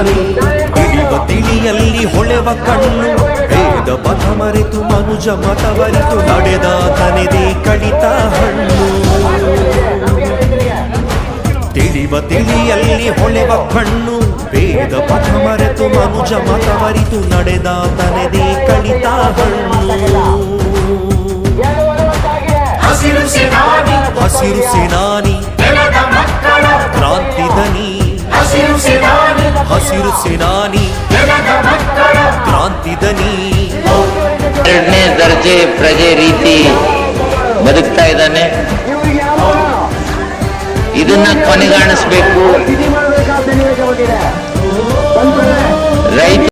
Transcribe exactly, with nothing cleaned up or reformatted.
ಸೇನಾನಿ ತಿಳಿವ ತಿಳಿಯಲ್ಲಿ ಹೊಳೆವ ಕಣ್ಣು ವೇದ ಪಥ ಮರೆತು ಮನುಜ ಮತವರಿತು ನಡೆದ ತನೆದೇ ಕಳಿತ ಹಣ್ಣು ತಿಳಿವ ತಿಳಿಯಲ್ಲಿ ಹೊಳೆವ ಕಣ್ಣು ವೇದ ಪಥ ಮರೆತು ಮನುಜ ಮತವರಿತು ನಡೆದ ತನೆದೇ ಕಳಿತ ಹಣ್ಣು ಹಸಿರು ಸೇನಾನಿ ಹಸಿರು ಸೇನಾನಿ ನೆಲದ ಮಕ್ಕಳ ಕ್ರಾಂತಿ ದನಿ ಹಸಿರು ಸೇನಾನಿ ಹಸಿರು ಸೇನಾನಿ ನೆಲದ ಮಕ್ಕಳ ಕ್ರಾಂತಿ ದನಿ ಎರಡನೇ ದರ್ಜೆ ಪ್ರಜೆ ರೀತಿ ಬದುಕ್ತಾ ಇದ್ದಾನೆ. ಇದನ್ನ ಕೊನೆಗಾಣಿಸ್ಬೇಕು. ರೈತ